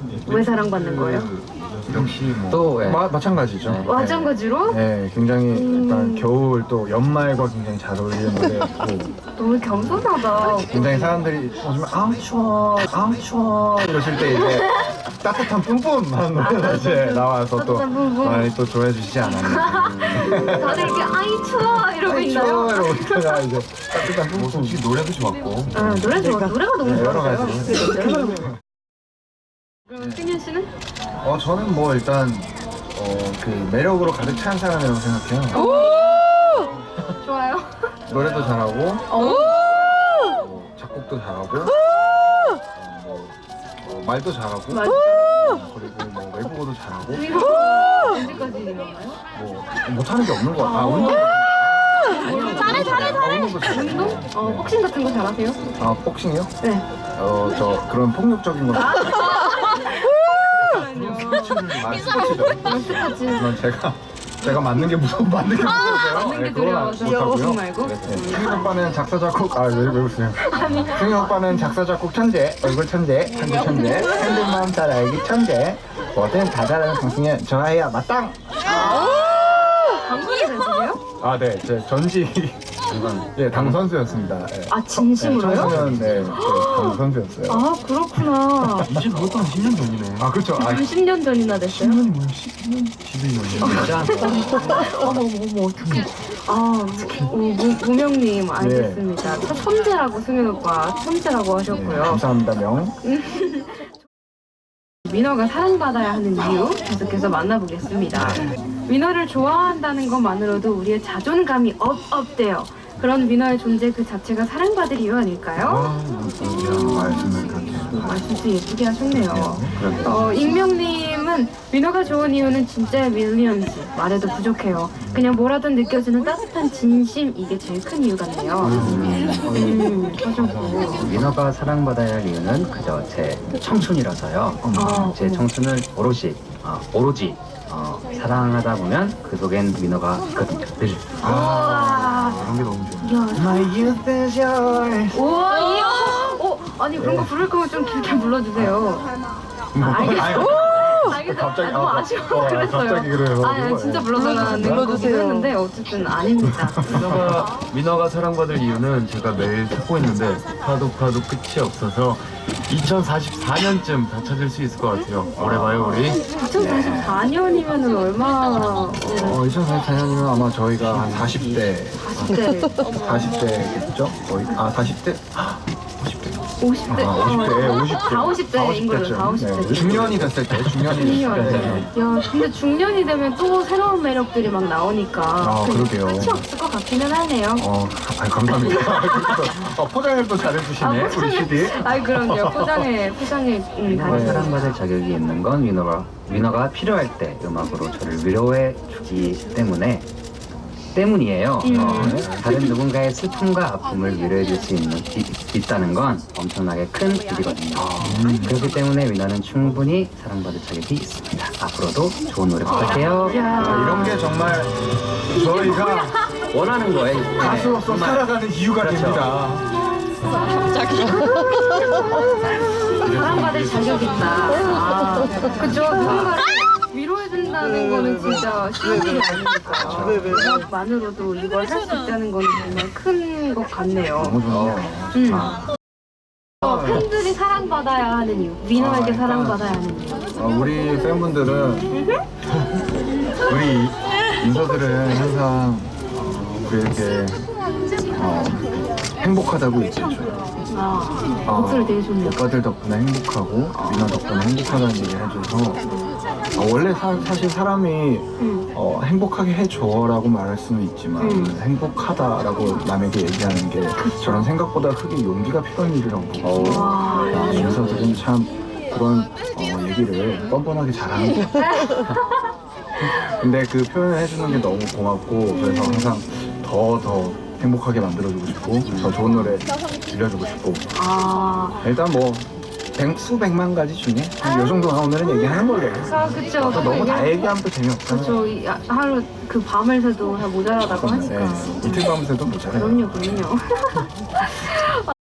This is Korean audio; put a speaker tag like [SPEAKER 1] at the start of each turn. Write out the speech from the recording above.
[SPEAKER 1] 왜 사랑받는 거예요?
[SPEAKER 2] 역시 뭐
[SPEAKER 3] 또 예.
[SPEAKER 2] 마찬가지죠.
[SPEAKER 3] 네.
[SPEAKER 1] 마찬가지로?
[SPEAKER 2] 네, 굉장히 약간 겨울 또 연말과 굉장히 잘 어울리는 노래였고
[SPEAKER 1] 너무 겸손하다.
[SPEAKER 2] 굉장히 사람들이 오시면 아우 추워, 아우 추워 이러실 때 이제 따뜻한 뿜뿜 하는 노래가 이제 나와서 또
[SPEAKER 1] 따뜻한 뿜뿜.
[SPEAKER 2] 많이 또 좋아해 주시지 않았나.
[SPEAKER 1] 다들 이렇게 아이 추워 이러고
[SPEAKER 2] 아이
[SPEAKER 1] 있나요?
[SPEAKER 2] 추워 이러고 있다가 이제 따뜻한 뿜뿜.
[SPEAKER 3] 솔직히 노래도 좋았고
[SPEAKER 1] 노래 좋아. 노래가 너무
[SPEAKER 2] 네, 여러
[SPEAKER 1] 좋았어요.
[SPEAKER 2] 가지.
[SPEAKER 1] 그죠? 노래가 너무 좋아요. 그럼 승현 씨는?
[SPEAKER 2] 저는 뭐 일단 그 매력으로 가득 찬 사람이라고 생각해요.
[SPEAKER 1] 좋아요.
[SPEAKER 2] 노래도 잘하고 뭐 작곡도 잘하고 뭐 말도 잘하고
[SPEAKER 1] 맞아.
[SPEAKER 2] 그리고 뭐 외국어도 잘하고
[SPEAKER 1] 이거 언제까지 이러나요?
[SPEAKER 2] 뭐 못하는 게 없는 것 같아요. 운동 잘해. 운동도 잘해.
[SPEAKER 1] 운동? 복싱 같은 거 잘하세요?
[SPEAKER 2] 복싱이요?
[SPEAKER 1] 네.
[SPEAKER 2] 저 그런 폭력적인 거. 스포츠죠.
[SPEAKER 1] 스포츠.
[SPEAKER 2] 그건 제가 맞는 게 맞는 게 무서워서요.
[SPEAKER 1] 맞는 게
[SPEAKER 2] 네, 그건
[SPEAKER 1] 두려워서.
[SPEAKER 2] 못하고요.
[SPEAKER 1] 복싱 말고?
[SPEAKER 2] 승희 오빠는 작사 작곡 왜 웃으세요? 승희 오빠는 작사 작곡 천재, 얼굴 천재, 한국 천재, 핸들마음 잘 알기 천재. 뭐든 다 잘하는 강승현 좋아해요 마땅.
[SPEAKER 1] 당근이 되세요?
[SPEAKER 2] 네, 제 전직 당 선수였습니다. 네.
[SPEAKER 1] 진심으로요?
[SPEAKER 2] 청소년 당 선수였어요.
[SPEAKER 1] 그렇구나.
[SPEAKER 3] 이제 그것도 한 10년 전이네.
[SPEAKER 2] 그렇죠.
[SPEAKER 1] 10년 전이나 됐어요?
[SPEAKER 2] 10년이 뭐야? 10년? 11년이요.
[SPEAKER 1] 어머, 어떡해. 무명님, 알겠습니다. 천재라고 승현 오빠, 천재라고 하셨고요.
[SPEAKER 2] 감사합니다, 명.
[SPEAKER 1] 위너가 사랑받아야 하는 이유 계속해서 만나보겠습니다. 위너를 좋아한다는 것만으로도 우리의 자존감이 업돼요. 그런 위너의 존재 그 자체가 사랑받을 이유 아닐까요?
[SPEAKER 2] 말씀을 그렇게.
[SPEAKER 1] 말씀도 예쁘게 하셨네요. 익명님은 위너가 좋은 이유는 진짜 윌리엄스 말해도 부족해요. 그냥 뭐라든 느껴지는 따뜻한 진심 이게 제일 큰 이유 같네요. 하셨고
[SPEAKER 3] 위너가 사랑받아야 할 이유는 그저 제 청춘이라서요. 제 청춘을 오로지 사랑하다 보면 그 속엔 위너가 있거든요. 늘.
[SPEAKER 2] 그런 게 너무 좋아.
[SPEAKER 1] 야,
[SPEAKER 2] My youth is yours.
[SPEAKER 1] 우와, 아니 그런 거 부를 거면 좀 길게 불러주세요. 알겠어요.
[SPEAKER 2] 갑자기,
[SPEAKER 1] 너무 아쉬워 그랬어요.
[SPEAKER 2] 갑자기 그래요.
[SPEAKER 1] 진짜 불러달라는 거긴 했는데 어쨌든 아닙니다.
[SPEAKER 4] 민어가 사랑받을 이유는 제가 매일 찾고 있는데 파도 끝이 없어서 2044년쯤 다 찾을 수 있을 것 같아요. 오래 봐요 우리.
[SPEAKER 1] 2044년이면은 얼마?
[SPEAKER 2] 2044년이면 아마 저희가 한 40대 40대겠죠? 거의 40대?
[SPEAKER 1] 50대?
[SPEAKER 2] 50대인
[SPEAKER 1] 걸로, 다 50대.
[SPEAKER 2] 중년이 됐을 때, 중년이 됐을 때.
[SPEAKER 1] 야, 근데 중년이 되면 또 새로운 매력들이 막 나오니까
[SPEAKER 2] 그러게요.
[SPEAKER 1] 끝이 없을 것 같기는 하네요.
[SPEAKER 2] 감사합니다. 포장을 또 잘해주시네, 우리 CD.
[SPEAKER 1] 그럼요. 포장에
[SPEAKER 3] 사랑받을 자격이 있는 건 위너가 필요할 때 음악으로 저를 위로해 주기 때문이에요. 다른 누군가의 슬픔과 아픔을 위로해 줄 수 있다는 건 엄청나게 큰 일이거든요. 그렇기 때문에 위너는 충분히 사랑받을 자격이 있습니다. 앞으로도 좋은 노래 부탁해요.
[SPEAKER 2] 이런 게 정말 저희가
[SPEAKER 3] 원하는 거예요.
[SPEAKER 2] 가수로서 살아가는 이유가
[SPEAKER 3] 그렇죠.
[SPEAKER 2] 됩니다.
[SPEAKER 1] 사랑받을 자격이 있다. 그죠? 누군가를 위로해준다는 거는 진짜 쉬운 일이 아니니까. 음악만으로도 이걸 할 수 있다는 거는 정말 큰 것 같네요.
[SPEAKER 2] 너무 좋네요.
[SPEAKER 1] 팬들이 사랑받아야 하는 이유. 위너에게 사랑받아야 하는 이유.
[SPEAKER 2] 우리 팬분들은 우리 인서들은 항상 그렇게 행복하다고 얘기해줘요.
[SPEAKER 1] 목소리 되게 좋네요.
[SPEAKER 2] 오빠들 덕분에 행복하고 민호 덕분에 행복하다는 얘기를 해줘서 원래 사실 사람이 행복하게 해줘라고 말할 수는 있지만 행복하다라고 남에게 얘기하는 게 저런 생각보다 크게 용기가 필요한 일이라고 보고 인서들은 참 그런 얘기를 뻔뻔하게 잘하는 것 같아요. 근데 그 표현을 해주는 게 너무 고맙고 그래서 항상 더 행복하게 만들어주고 싶고 더 좋은 노래 들려주고 싶고 일단 뭐 수백만 가지 중에 요 정도가 오늘은 얘기하는 걸로
[SPEAKER 1] 그쵸.
[SPEAKER 2] 또 너무 다 얘기하면 또 재미없잖아요.
[SPEAKER 1] 그쵸. 하루 그 밤을 새도 다 모자라다고 하니까.
[SPEAKER 2] 이틀 밤새도 모자라요.
[SPEAKER 1] 그럼요.